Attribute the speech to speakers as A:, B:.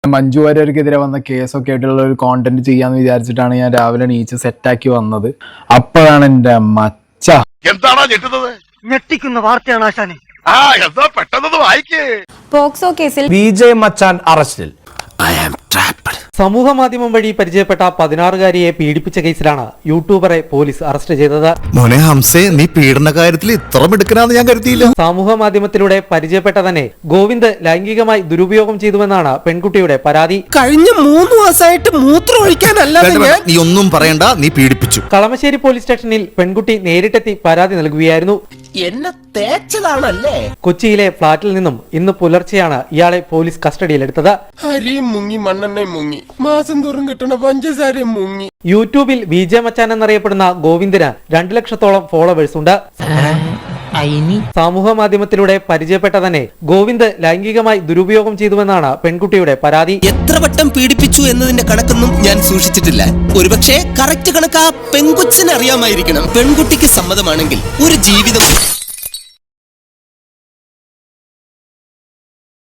A: മഞ്ജു വാര്യർക്കെതിരെ വന്ന കേസൊക്കെ ആയിട്ടുള്ള ഒരു കോണ്ടന്റ് ചെയ്യാന്ന് വിചാരിച്ചിട്ടാണ് ഞാൻ രാവിലെ നീച്ച് സെറ്റാക്കി വന്നത്. അപ്പോഴാണ് എന്റെ മച്ച
B: എന്താണോ ഞെട്ടുന്നത്?
C: ഞെട്ടിക്കുന്ന വാർത്തയാണ് ആശാനെ.
B: എന്താ പെട്ടെന്ന് വായിക്കേ.
D: പോക്സോ കേസിൽ
E: വിജയ് മച്ചാൻ അറസ്റ്റിൽ.
F: സമൂഹ മാധ്യമം വഴി പരിചയപ്പെട്ട 16-കാരിയെ പീഡിപ്പിച്ച കേസിലാണ് യൂട്യൂബറെ പോലീസ് അറസ്റ്റ് ചെയ്തത്.
G: മോനെ ഹംസേ, നീ പീഡന കാര്യത്തിൽ ഇത്ര മിടുക്കനാന്ന് ഞാൻ കരുതിയില്ല.
F: സമൂഹ മാധ്യമത്തിലൂടെ പരിചയപ്പെട്ട തന്നെ ഗോവിന്ദ് ലൈംഗികമായി ദുരുപയോഗം ചെയ്തുവെന്നാണ് പെൺകുട്ടിയുടെ പരാതി.
E: കഴിഞ്ഞ 3 മാസമായിട്ട് മൂത്രം ഒഴിക്കാനല്ലാതെ
G: നീ ഒന്നും പറയണ്ട, നീ പീഡിപ്പിച്ചു.
F: കളമശ്ശേരി പോലീസ് സ്റ്റേഷനിൽ പെൺകുട്ടി നേരിട്ടെത്തി പരാതി നൽകുകയായിരുന്നു.
E: എന്നെ തേച്ചതാണല്ലേ.
F: കൊച്ചിയിലെ ഫ്ളാറ്റിൽ നിന്നും ഇന്ന് പുലർച്ചെയാണ് ഇയാളെ പോലീസ് കസ്റ്റഡിയിലെടുത്തത്.
E: അരിയും മുങ്ങി മണ്ണെണ്ണയും മുങ്ങി മാസം തോറും കിട്ടണ പഞ്ചസാരയും മുങ്ങി.
F: യൂട്യൂബിൽ വിജയ് മച്ചാൻ എന്നറിയപ്പെടുന്ന ഗോവിന്ദിന് 2 ലക്ഷത്തോളം ഫോളോവേഴ്സ് ഉണ്ട്. സമൂഹ മാധ്യമത്തിലൂടെ പരിചയപ്പെട്ട തന്നെ ഗോവിന്ദ് ലൈംഗികമായി ദുരുപയോഗം ചെയ്തുവെന്നാണ് പെൺകുട്ടിയുടെ പരാതി.
H: എത്ര വട്ടം പീഡിപ്പിച്ചു എന്നതിന്റെ കണക്കൊന്നും ഞാൻ സൂക്ഷിച്ചിട്ടില്ല. ഒരുപക്ഷെ കറക്റ്റ് കണക്ക് ആ പെൺകൊച്ചിനെ അറിയാമായിരിക്കണം. പെൺകുട്ടിക്ക് സമ്മതമാണെങ്കിൽ ഒരു ജീവിതം